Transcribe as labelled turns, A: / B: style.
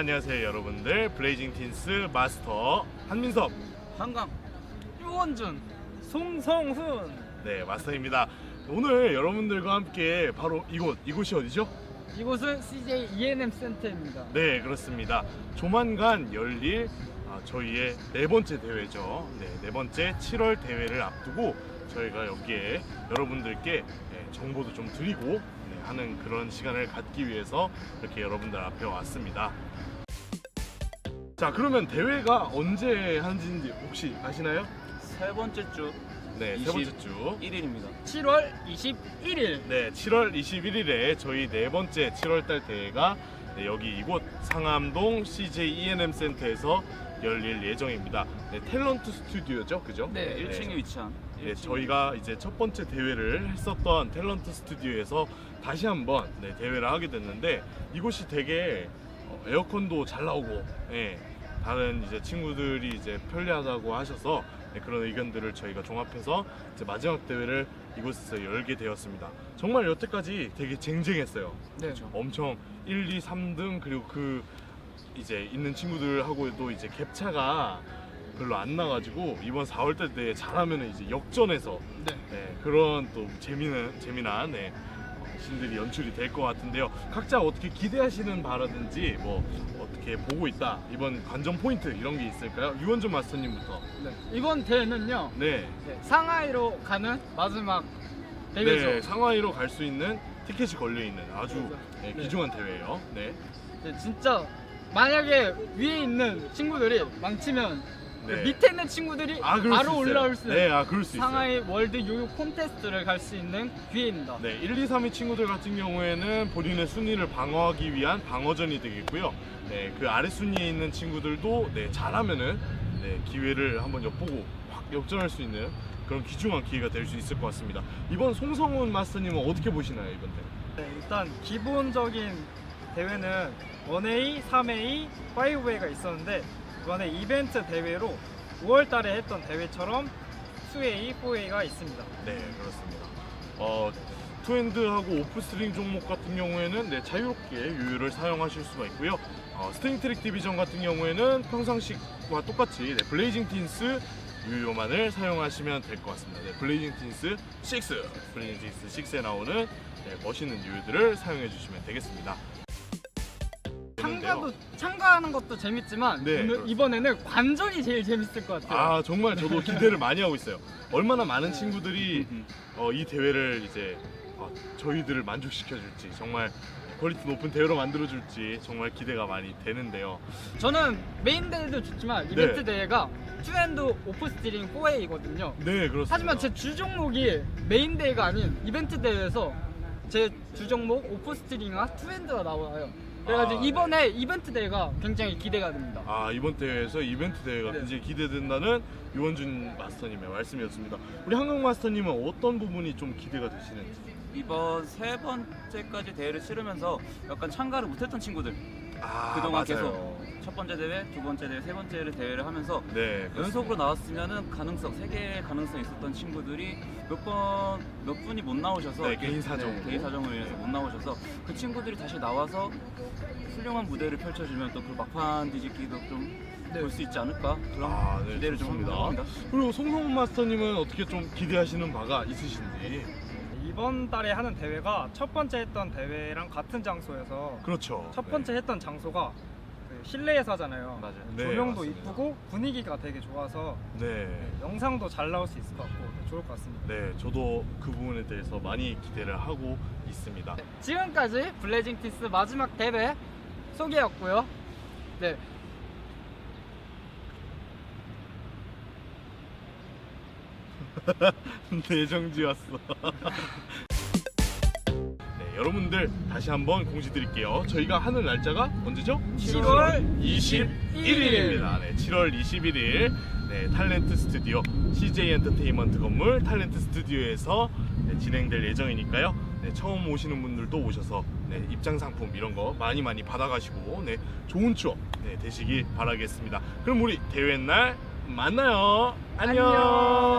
A: 안녕하세요 여러분들. 블레이징 틴스 마스터 한민섭,
B: 한강, 유원준, 송성훈.
A: 네 마스터입니다. 오늘 여러분들과 함께 바로 이곳이 어디죠?
B: 이곳은 CJ E&M 센터입니다.
A: 네 그렇습니다. 조만간 열릴 저희의 네 번째 대회죠. 네 번째 7월 대회를 앞두고 저희가 여기에 여러분들께 정보도 좀 드리고 하는 그런 시간을 갖기 위해서 이렇게 여러분들 앞에 왔습니다. 자, 그러면 대회가 언제 하는지 혹시 아시나요?
C: 세 번째 주
A: 네, 세 번째 주
C: 1일입니다.
B: 7월 21일.
A: 네, 7월 21일에 저희 네 번째 7월달 대회가 여기 이곳 상암동 CJ E&M 센터에서 열릴 예정입니다. 네, 탤런트 스튜디오죠, 그죠?
B: 네,
C: 1층에 위치한.
A: 네, 저희가 이제 첫 번째 대회를 했었던 탤런트 스튜디오에서 다시 한번 대회를 하게 됐는데 이곳이 되게 에어컨도 잘 나오고 다른 이제 친구들이 이제 편리하다고 하셔서 그런 의견들을 저희가 종합해서 이제 마지막 대회를 이곳에서 열게 되었습니다. 정말 여태까지 되게 쟁쟁했어요.
B: 네.
A: 엄청 1, 2, 3등 그리고 그 이제 있는 친구들하고도 이제 갭차가 별로 안 나가지고 이번 4월달 대회 잘하면 이제 역전해서 그런 또 재미난 신들이 연출이 될 것 같은데요. 각자 어떻게 기대하시는 바라든지 뭐 어떻게 보고 있다 이번 관전 포인트 이런 게 있을까요? 유원준 마스터님부터.
B: 네. 이번 대회는요.
A: 네.
B: 상하이로 가는 마지막 대회죠.
A: 네, 상하이로 갈 수 있는 티켓이 걸려 있는 아주
B: 네.
A: 귀중한 대회예요. 네.
B: 네, 진짜 만약에 위에 있는 친구들이 망치면
A: 네.
B: 밑에 있는 친구들이
A: 그럴 수
B: 바로
A: 있어요.
B: 올라올 수 있는
A: 네, 그럴 수 있어요.
B: 상하이 월드 요요 콘테스트를 갈 수 있는 기회입니다.
A: 네, 1, 2, 3위 친구들 같은 경우에는 본인의 순위를 방어하기 위한 방어전이 되겠고요. 네, 그 아래 순위에 있는 친구들도 잘하면은 기회를 한번 엿보고 확 역전할 수 있는 그런 귀중한 기회가 될 수 있을 것 같습니다. 이번 송성훈 마스터님은 어떻게 보시나요, 이번 대회?
D: 네, 일단 기본적인 대회는 1A, 3A, 5A가 있었는데 이번에 이벤트 대회로 5월 달에 했던 대회처럼 2A, 4A가 있습니다.
A: 네, 그렇습니다. 투핸드하고 오프스트링 종목 같은 경우에는 자유롭게 유유를 사용하실 수가 있고요. 스트링 트랙 디비전 같은 경우에는 평상시와 똑같이 블레이징 틴스 유효만을 사용하시면 될 것 같습니다. 블레이징 틴스 6, 블레이징 틴스 6에 나오는 멋있는 유효들을 사용해 주시면 되겠습니다.
B: 참가하는 것도 재밌지만 이번에는 관전이 제일 재밌을 것 같아요.
A: 정말 저도 기대를 많이 하고 있어요. 얼마나 많은 친구들이 이 대회를 이제 저희들을 만족시켜 줄지, 정말 퀄리티 높은 대회로 만들어 줄지 정말 기대가 많이 되는데요.
B: 저는 메인 대회도 좋지만 이벤트 대회가 투핸드 오프스트링 4A거든요.
A: 네, 그렇습니다.
B: 하지만 제 주 종목이 메인 대회가 아닌 이벤트 대회에서 제 주 종목 오프스트링과 투핸드가 나와요. 그래가지고 이번에 이벤트 대회가 굉장히 기대가 됩니다.
A: 이번 대회에서 이벤트 대회가 굉장히 기대된다는 유원준 마스터님의 말씀이었습니다. 우리 한강 마스터님은 어떤 부분이 좀 기대가 되시는지?
C: 이번 세 번째까지 대회를 치르면서 약간 참가를 못했던 친구들 그동안
A: 맞아요.
C: 계속 첫 번째 대회, 두 번째 대회, 세 번째 대회를 하면서
A: 그렇습니다.
C: 연속으로 나왔으면은 세 개의 가능성이 있었던 친구들이 몇 분이 못 나오셔서
A: 개인 사정으로
C: 인해서 못 나오셔서 그 친구들이 다시 나와서 훌륭한 무대를 펼쳐주면 또 그 막판 뒤집기도 좀 볼 수 있지 않을까 그런 기대를 좀 합니다.
A: 그리고 송성훈 마스터님은 어떻게 좀 기대하시는 바가 있으신지?
D: 이번 달에 하는 대회가 첫 번째 했던 대회랑 같은 장소여서
A: 그렇죠.
D: 첫 번째 했던 장소가 그 실내에서 하잖아요.
C: 맞아요.
D: 조명도
A: 맞습니다.
D: 이쁘고 분위기가 되게 좋아서 영상도 잘 나올 수 있을 것 같고 좋을 것 같습니다.
A: 네, 저도 그 부분에 대해서 많이 기대를 하고 있습니다.
B: 지금까지 블레이징 틴스 마지막 대회 소개였고요. 네.
A: 내정지 왔어. 여러분들 다시 한번 공지 드릴게요. 저희가 하는 날짜가 언제죠?
B: 7월
A: 21일입니다. 7월 21일 탤런트 스튜디오 CJ 엔터테인먼트 건물 탤런트 스튜디오에서 진행될 예정이니까요. 처음 오시는 분들도 오셔서 입장 상품 이런 거 많이 받아가시고 좋은 추억 되시기 바라겠습니다. 그럼 우리 대회 날 만나요. 안녕.